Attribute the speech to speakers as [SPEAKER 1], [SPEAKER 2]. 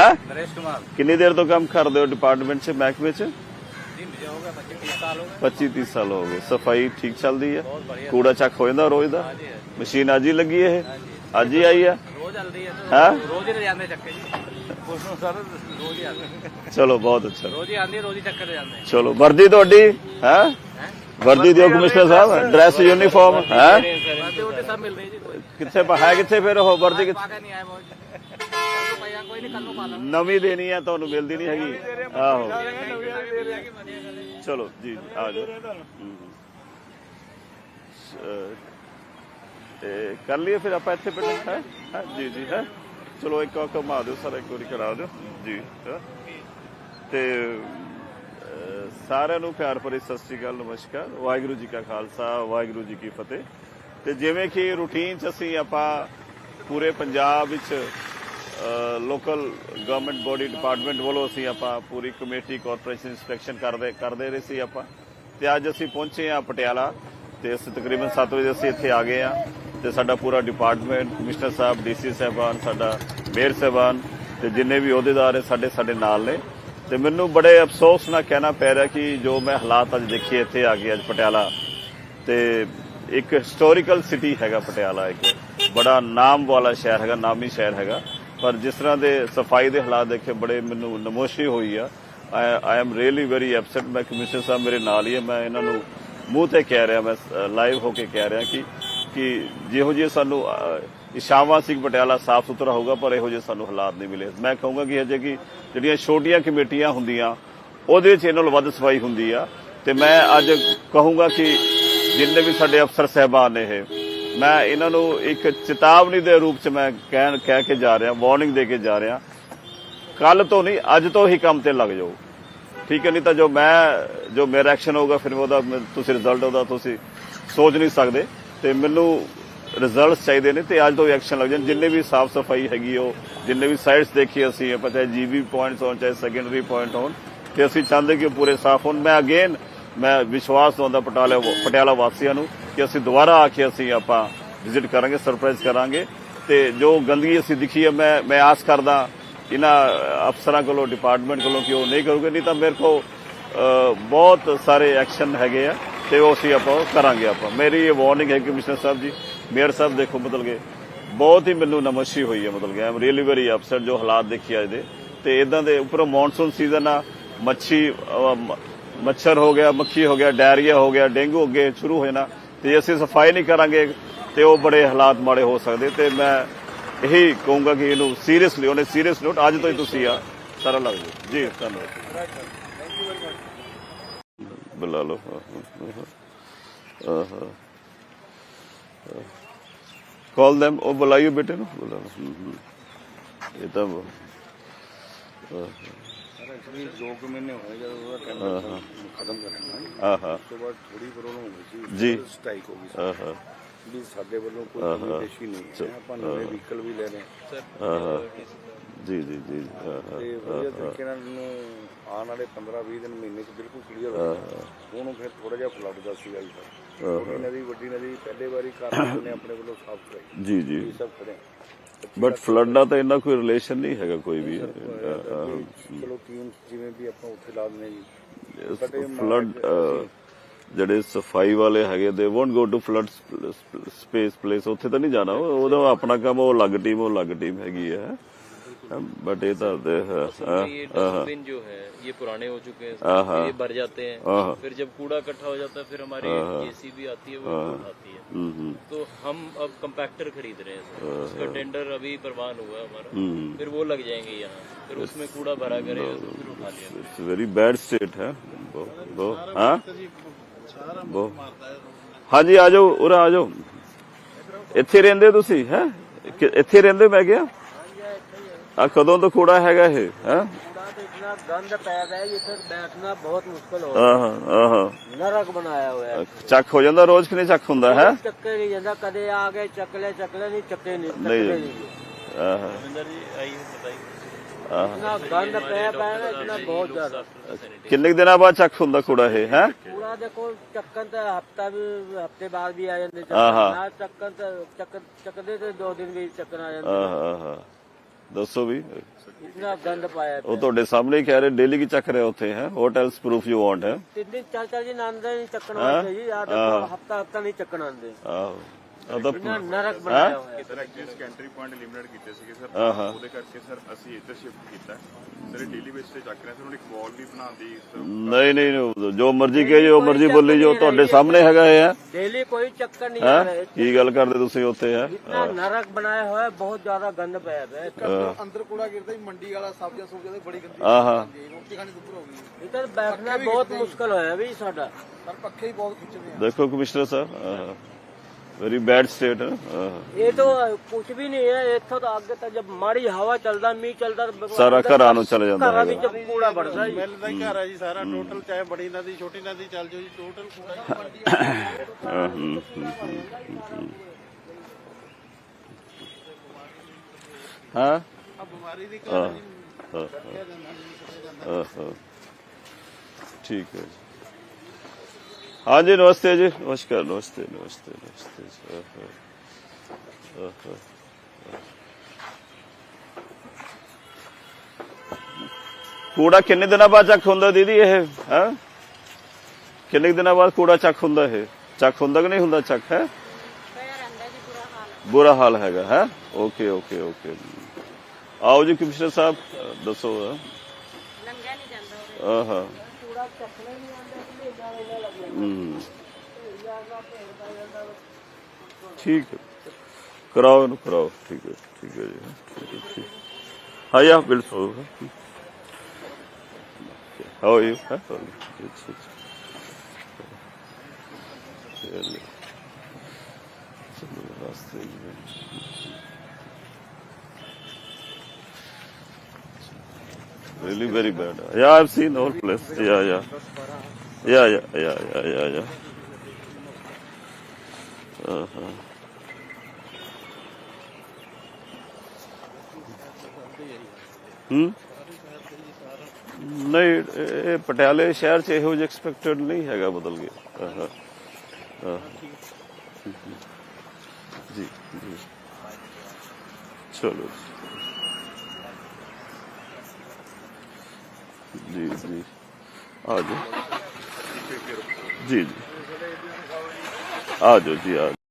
[SPEAKER 1] नरेश कुमार।
[SPEAKER 2] कितनी देर तो काम कर रहे हो डिपार्टमेंट से, महकमे से? 25-30 साल हो गए। सफाई ठीक चल रही है? कूड़ा चक हो जाता रोज का? मशीन अज ही लगी है? अज ही आई है? चलो बहुत अच्छा। चलो वर्दी थोड़ी है? वर्दी दियो कमिश्नर साहब, ड्रेस यूनीफॉर्म है कितने है? कितने फिर हो वर्दी नवी देनी है तो मिलती नहीं हैगी। आहो चलो जी आ जाओ। कर लिए फिर आप इतने बैठे है जी जी है। चलो एक घुमा दो सर, एक बार करा दो जी। ते सारिਆਂ ਨੂੰ प्यार भरी सत श्री अकाल, नमस्कार, वाहिगुरू जी का खालसा, वाहिगुरू जी की फतेह। ਤੇ ਜਿਵੇਂ ਕਿ ਰੂਟੀਨ 'ਚ ਅਸੀਂ ਆਪਾਂ ਪੂਰੇ ਪੰਜਾਬ ਵਿੱਚ ਲੋਕਲ ਗਵਰਨਮੈਂਟ ਬੋਡੀ ਡਿਪਾਰਟਮੈਂਟ ਵੱਲੋਂ ਅਸੀਂ ਆਪਾਂ ਪੂਰੀ ਕਮੇਟੀ ਕਾਰਪੋਰੇਸ਼ਨ ਇੰਸਪੈਕਸ਼ਨ ਕਰਦੇ ਰਹੇ ਸੀ ਆਪਾਂ। ਤੇ ਅੱਜ ਅਸੀਂ ਪਹੁੰਚੇ ਆ ਪਟਿਆਲਾ ਤੇ ਅਸੀਂ ਤਕਰੀਬਨ 7 ਵਜੇ ਅਸੀਂ ਇੱਥੇ ਆ ਗਏ ਆ। ਤੇ ਸਾਡਾ ਪੂਰਾ ਡਿਪਾਰਟਮੈਂਟ, ਕਮਿਸ਼ਨਰ ਸਾਹਿਬ, ਡੀਸੀ ਸਾਹਿਬਾਨ, ਸਾਡਾ ਮੇਅਰ ਸਾਹਿਬਾਨ ਤੇ ਜਿੰਨੇ ਵੀ ਅਹੁਦੇਦਾਰ ਹੈ ਸਾਡੇ ਨਾਲ ਨੇ। ਤੇ ਮੈਨੂੰ ਬੜੇ ਅਫਸੋਸ ਨਾਲ ਕਹਿਣਾ ਪੈ ਰਿਹਾ ਕਿ ਜੋ ਮੈਂ ਹਾਲਾਤ ਅੱਜ ਦੇਖੇ ਇੱਥੇ ਆ ਕੇ ਅੱਜ ਪਟਿਆਲਾ ਤੇ ਇੱਕ ਹਿਸਟੋਰੀਕਲ ਸਿਟੀ ਹੈਗਾ ਪਟਿਆਲਾ, ਇੱਕ ਬੜਾ ਨਾਮ ਵਾਲਾ ਸ਼ਹਿਰ ਹੈਗਾ, ਨਾਮੀ ਸ਼ਹਿਰ ਹੈਗਾ, ਪਰ ਜਿਸ ਤਰ੍ਹਾਂ ਦੇ ਸਫਾਈ ਦੇ ਹਾਲਾਤ ਦੇਖੇ ਬੜੇ ਮੈਨੂੰ ਨਮੋਸ਼ੀ ਹੋਈ ਆ। I am really very upset. ਮੈਂ ਕਮਿਸ਼ਨਰ ਸਾਹਿਬ ਮੇਰੇ ਨਾਲ ਹੀ ਹੈ, ਮੈਂ ਇਹਨਾਂ ਨੂੰ ਮੂੰਹ ਤੇ ਕਹਿ ਰਿਹਾ, ਮੈਂ ਲਾਈਵ ਹੋ ਕੇ ਕਹਿ ਰਿਹਾ ਕਿ ਜਿਹੋ ਜਿਹੇ ਸਾਨੂੰ ਇਸ਼ਾਵਾ ਸੀ ਪਟਿਆਲਾ ਸਾਫ਼ ਸੁਥਰਾ ਹੋਊਗਾ, ਪਰ ਇਹੋ ਜਿਹੇ ਸਾਨੂੰ ਹਾਲਾਤ ਨਹੀਂ ਮਿਲੇ। ਮੈਂ ਕਹੂੰਗਾ ਕਿ ਅਜੇ ਕਿ ਜਿਹੜੀਆਂ ਛੋਟੀਆਂ ਕਮੇਟੀਆਂ ਹੁੰਦੀਆਂ ਉਹਦੇ ਵਿੱਚ ਇਹਨਾਂ ਨਾਲੋਂ ਵੱਧ ਸਫਾਈ ਹੁੰਦੀ ਆ। ਤੇ ਮੈਂ ਅੱਜ ਕਹੂੰਗਾ ਕਿ ਜਿੰਨੇ ਵੀ ਸਾਡੇ ਅਫਸਰ ਸਾਹਿਬਾਨ ਨੇ ਇਹ, ਮੈਂ ਇਹਨਾਂ ਨੂੰ ਇੱਕ ਚੇਤਾਵਨੀ ਦੇ ਰੂਪ 'ਚ ਮੈਂ ਕਹਿ ਕੇ ਜਾ ਰਿਹਾ, ਵਾਰਨਿੰਗ ਦੇ ਕੇ ਜਾ ਰਿਹਾ, ਕੱਲ ਤੋਂ ਨਹੀਂ ਅੱਜ ਤੋਂ ਹੀ ਕੰਮ ਤੇ ਲੱਗ ਜਾਓ, ਠੀਕ ਹੈ? ਨਹੀਂ ਤਾਂ ਜੋ ਮੇਰਾ ਐਕਸ਼ਨ ਹੋਊਗਾ ਫਿਰ ਉਹਦਾ ਤੁਸੀਂ ਰਿਜ਼ਲਟ ਉਹਦਾ ਤੁਸੀਂ ਸੋਚ ਨਹੀਂ ਸਕਦੇ। ਤੇ ਮੈਨੂੰ ਰਿਜ਼ਲਟਸ ਚਾਹੀਦੇ ਨੇ ਤੇ ਅੱਜ ਤੋਂ ਐਕਸ਼ਨ ਲੱਗ ਜਾਣ। ਜਿੰਨੇ ਵੀ ਸਾਫ਼ ਸਫਾਈ ਹੈਗੀ ਉਹ ਜਿੰਨੇ ਵੀ ਸਾਈਟਸ ਦੇਖੀ ਅਸੀਂ ਆਪਾਂ, ਚਾਹੇ ਜੀਬੀ ਪੁਆਇੰਟਸ ਹੋਣ ਚਾਹੇ ਸੈਕੰਡਰੀ ਪੁਆਇੰਟ ਹੋਣ, ਤੇ ਅਸੀਂ ਚਾਹੁੰਦੇ ਕਿ ਪੂਰੇ ਸਾਫ਼ ਹੋਣ। ਮੈਂ ਵਿਸ਼ਵਾਸ ਦਵਾਉਂਦਾ ਪਟਿਆਲਾ ਵਾਸੀਆਂ ਨੂੰ ਕਿ ਅਸੀਂ ਦੁਬਾਰਾ ਆ ਕੇ ਅਸੀਂ ਆਪਾਂ ਵਿਜ਼ਿਟ ਕਰਾਂਗੇ, ਸਰਪ੍ਰਾਈਜ਼ ਕਰਾਂਗੇ। ਤੇ ਜੋ ਗੰਦਗੀ ਅਸੀਂ ਦਿਖੀ ਹੈ ਮੈਂ ਆਸ ਕਰਦਾ ਇਹਨਾਂ ਅਫਸਰਾਂ ਕੋਲੋਂ, ਡਿਪਾਰਟਮੈਂਟ ਕੋਲੋਂ ਕਿ ਉਹ ਨਹੀਂ ਕਰੂਗੇ, ਨਹੀਂ ਤਾਂ ਮੇਰੇ ਕੋਲ ਬਹੁਤ ਸਾਰੇ ਐਕਸ਼ਨ ਹੈਗੇ ਆ ਤੇ ਉਹ ਅਸੀਂ ਆਪਾਂ ਕਰਾਂਗੇ। ਆਪਾਂ ਮੇਰੀ ਇਹ ਵਾਰਨਿੰਗ ਹੈ ਕਮਿਸ਼ਨਰ ਸਾਹਿਬ ਜੀ, ਮੇਅਰ ਸਾਹਿਬ, ਦੇਖੋ ਮਤਲਬ ਕਿ ਬਹੁਤ ਹੀ ਮੈਨੂੰ ਨਮੋਸ਼ੀ ਹੋਈ ਹੈ, ਮਤਲਬ ਕਿ I am really very upset ਜੋ ਹਾਲਾਤ ਦੇਖੇ ਅੱਜ ਦੇ। ਤੇ ਇਦਾਂ ਦੇ ਉੱਪਰੋਂ ਮੌਨਸੂਨ ਸੀਜ਼ਨ ਆ, ਮੱਛਰ ਹੋ ਗਿਆ, ਮੱਖੀ ਹੋ ਗਿਆ, ਡਾਇਰੀਆ ਹੋ ਗਿਆ, ਡੇਂਗੂ ਅੱਗੇ ਸ਼ੁਰੂ ਹੋ ਜਾਣਾ। ਤੇ ਅਸੀਂ ਸਫਾਈ ਨਹੀਂ ਕਰਾਂਗੇ ਤੇ ਉਹ ਬੜੇ ਹਾਲਾਤ ਮਾੜੇ ਹੋ ਸਕਦੇ। ਤੇ ਮੈਂ ਇਹੀ ਕਹੂੰਗਾ ਕਿ ਇਹਨੂੰ ਸੀਰੀਅਸਲੀ ਉਹਨੇ ਸੀਰੀਅਸ ਨੋਟ ਅੱਜ ਤੋਂ ਹੀ ਤੁਸੀਂ ਆ ਸਾਰਾ ਲੱਗ ਜਾਓ ਜੀ। ਧੰਨਵਾਦ। ਬੁਲਾ ਲਓ ਕਾਲ them, ਉਹ ਬੁਲਾਈਓ ਬੇਟੇ ਨੂੰ, ਬੁਲਾ ਲਓ। ਇਹ ਤਾਂ
[SPEAKER 1] 2 ਮਹੀਨੇ ਹੋਏ ਜਦੋਂ ਟੈਂਡਰ ਖਤਮ ਕਰਨਾ, ਉਸ ਤੋਂ ਬਾਅਦ ਥੋੜੀ ਪ੍ਰੋਬਲਮ ਹੋ ਗਈ ਸੀ ਜੀ, ਸਟ੍ਰਾਈਕ ਹੋ ਗਈ ਸੀ ਵੀ ਸਾਡੇ ਵੱਲੋਂ ਕੋਈ ਨਿਰਦੇਸ਼ ਨਹੀਂ ਹੈ, ਆਪਾਂ ਨਵੇਂ ਵਹੀਕਲ ਵੀ ਲੈ ਰਹੇ ਹਾਂ
[SPEAKER 2] ਜੀ ਜੀ ਜੀ।
[SPEAKER 1] ਤੇ ਵਧੀਆ ਤਰੀਕੇ ਨਾਲ ਆਉਣ ਵਾਲੇ 15-20 ਦਿਨ ਮਹੀਨੇ 'ਚ ਬਿਲਕੁਲ ਕਲੀਅਰ ਹੋ ਜਾਣਾ। ਹੁਣ ਫਿਰ ਥੋੜਾ ਜਿਹਾ ਫਲੱਡ ਦਾ ਸੀਗਾ ਜੀ, ਛੋਟੀ ਨਦੀ ਵੱਡੀ ਨਦੀ ਪਹਿਲੇ ਵਾਰੀ ਕਾਰਨ ਨੇ ਆਪਣੇ ਵੱਲੋਂ ਸਾਫ਼ ਕਰਾਈ ਜੀ ਜੀ, ਸਭ ਖੜੇ।
[SPEAKER 2] ਬਟ ਫਲੱਡ ਦਾ ਤਾਂ ਇੰਨਾ ਕੋਈ ਰਿਲੇਸ਼ਨ ਨਹੀਂ ਹੈਗਾ ਕੋਈ ਵੀ।
[SPEAKER 1] ਚਲੋ ਟੀਮ ਜਿਵੇਂ ਵੀ ਆਪਾਂ ਉੱਥੇ ਲਾ ਦਿੰਦੇ ਜੀ।
[SPEAKER 2] ਫਲੱਡ ਜਿਹੜੇ ਸਫਾਈ ਵਾਲੇ ਹੈਗੇ ਦੇ won't go to flood space place, ਉੱਥੇ ਤਾਂ ਨਹੀਂ ਜਾਣਾ, ਉਹਦਾ ਆਪਣਾ ਕੰਮ, ਉਹ ਅਲੱਗ ਟੀਮ ਹੈਗੀ ਹੈ। बट ये तो
[SPEAKER 3] डस्टबिन जो है ये पुराने हो चुके हैं, ये भर जाते हैं, फिर जब कूड़ा इकट्ठा हो जाता है फिर हमारी जेसीबी आती है, वो उठाती है। तो हम अब कंपैक्टर खरीद रहे हैं, उसका टेंडर अभी प्रवान हुआ है हमारा, फिर वो लग जाएंगे यहाँ, फिर उसमें कूड़ा भरा करेगा तो फिर उठा लिया।
[SPEAKER 2] इट्स वेरी बैड स्टेट है। हाँ जी आ जाओ, उरा आ जाओ। ਇੱਥੇ ਰਹਿੰਦੇ ਤੁਸੀਂ ਹੈ? ਇੱਥੇ ਰਹਿੰਦੇ? ਮੈਂ ਕਿਹਾ ਆ ਕਦੋਂ ਤੋਂ ਕੂੜਾ ਹੈਗਾ ਇਹ? ਹੈ
[SPEAKER 4] इतना गंद पैदा है, इधर बैठना बहुत मुश्किल हो रहा है, नरक बनाया हुआ है।
[SPEAKER 2] ਚੱਕ ਹੋ ਜਾਂਦਾ ਰੋਜ਼ ਕਿ ਨਹੀਂ ਚੱਕ ਹੁੰਦਾ ਹੈ?
[SPEAKER 4] ਚੱਕੇ नहीं ਜਾਂਦਾ, कदे आ गए चकले नहीं चक्के नहीं। इतना गंद पैदा है, इतना बहुत ज्यादा।
[SPEAKER 2] ਕਿੰਨੇ ਦਿਨਾਂ ਬਾਅਦ ਚੱਕ ਹੁੰਦਾ ਕੂੜਾ ਇਹ? ਹੈ
[SPEAKER 4] कूड़ा देखो चक्कन तो हफ्ते बाद भी आ जाते, चक्कन चकदे तो 2 दिन भी चक्कन आ जाते।
[SPEAKER 2] ਦੱਸੋ ਵੀ
[SPEAKER 4] इतना गंद पाया
[SPEAKER 2] ਉਹ ਤੁਹਾਡੇ ਸਾਹਮਣੇ ਹੀ ਕਹਿ ਰਹੇ ਡੇਲੀ ਕੀ ਚੱਕ ਰਹੇ ਉੱਥੇ ਹੈ ਹੋਟਲਸ ਪ੍ਰੂਫ ਯੂ ਵਾਂਟ ਹੈ
[SPEAKER 4] 3 दिन 4 दिन आंदे नहीं चक्कन आते जी यार हफ्ता नहीं चक्कन आंदे
[SPEAKER 2] ਆਹੋ ਉਹਦਾ
[SPEAKER 4] इतना नरक बनाया हुआ है
[SPEAKER 5] ਸਰ ਐਕਚੁਅਲੀ ਸਕੈਂਟਰੀ ਪੁਆਇੰਟ ਲਿਮਿਟਡ ਕੀਤੇ ਸੀਗੇ ਸਰ ਉਹਦੇ ਕਰਕੇ ਸਰ ਅਸੀਂ ਇੱਧਰ ਸ਼ਿਫਟ ਕੀਤਾ ਸਰ ਡੇਲੀ ਬੇਸ ਤੇ ਚੱਕ ਰਹੇ ਸਰ ਹੁਣ ਇੱਕ ਵਾਲ ਵੀ ਬਣਾਉਂਦੀ
[SPEAKER 2] ਨਹੀਂ ਨਹੀਂ ਜੋ ਮਰਜ਼ੀ ਕਹੇ ਜੋ ਮਰਜ਼ੀ ਬੋਲੀ ਜੋ ਤੁਹਾਡੇ ਸਾਹਮਣੇ ਹੈਗਾ ਇਹ ਹੈ
[SPEAKER 4] डेली कोई चक्कर नहीं आ रहा है
[SPEAKER 2] ਕੀ ਗੱਲ ਕਰਦੇ ਤੁਸੀਂ ਉੱਥੇ ਹੈ
[SPEAKER 4] इतना नरक बनाया हुआ है बहुत ज्यादा गंद पाया हुआ है
[SPEAKER 6] ਅੰਦਰ ਕੂੜਾ ਗਿਰਦਾ ਹੀ ਮੰਡੀ ਵਾਲਾ ਸਬਜ਼ੀਆਂ ਸੁਬਜ਼ੀਆਂ ਦੀ ਬੜੀ ਗੰਦੀ
[SPEAKER 2] ਆਹਾ
[SPEAKER 6] ਰੋਟੀ ਖਾਣੀ ਦੁੱਧ ਹੋ ਗਈ
[SPEAKER 4] इधर बैठना बहुत मुश्किल होया भी साडा
[SPEAKER 6] ਪਰ ਪੱਖੇ ਹੀ ਬਹੁਤ ਖਿੱਚਦੇ ਆ
[SPEAKER 2] ਦੇਖੋ ਕਮਿਸ਼ਨਰ ਸਾਹਿਬ वेरी बैड स्टेट है
[SPEAKER 4] ये तो कुछ भी नहीं है इतो तो आगे तक जब माड़ी हवा चलता मीह चलता
[SPEAKER 2] सारा घरां नूं चले जांदा
[SPEAKER 4] घरां
[SPEAKER 2] है
[SPEAKER 4] विच कूड़ा बढ़दा जी
[SPEAKER 6] ਮਿਲ ਦਾ ਹੀ ਘਰ ਆ ਜੀ ਸਾਰਾ ਟੋਟਲ ਚਾਹੇ ਬੜੀ ਨਦੀ ਛੋਟੀ ਨਦੀ ਚੱਲ ਜਾਓ ਜੀ ਟੋਟਲ ਕੂੜਾ ਹੀ ਮੰਡੀ
[SPEAKER 2] हाँ
[SPEAKER 6] ਆ ਬਿਮਾਰੀ ਦੀ ਘਰ
[SPEAKER 2] ठीक है जी हाँ जी नमस्ते जी नमस्कार नमस्ते नमस्ते नमस्ते कूड़ा किन्ने दिनों बाद चक हुंदा दीदी ये है किन्ने दिनों बाद कूड़ा चक हुंदा है चक हुंदा कि नहीं हुंदा चक है बुरा हाल हैगा है ओके ओके ओके आओ जी कमिश्नर साहब दसो हाँ ठीक है कराओ ना कराओ ठीक है जी ठीक है ठीक हाँ या बिल्कुल हाउ आर यू रास्ते really very bad yeah I've seen all place yeah नहीं ਇਹ ਪਟਿਆਲੇ ਸ਼ਹਿਰ ਚ ਇਹੋ ਜਿਹਾ ਐਕਸਪੈਕਟਡ ਨਹੀਂ ਹੈਗਾ ਬਦਲ ਗਿਆ ਜੀ ਜੀ ਚਲੋ जी जी आ जाओ जी जी आ जाओ जी आ जाओ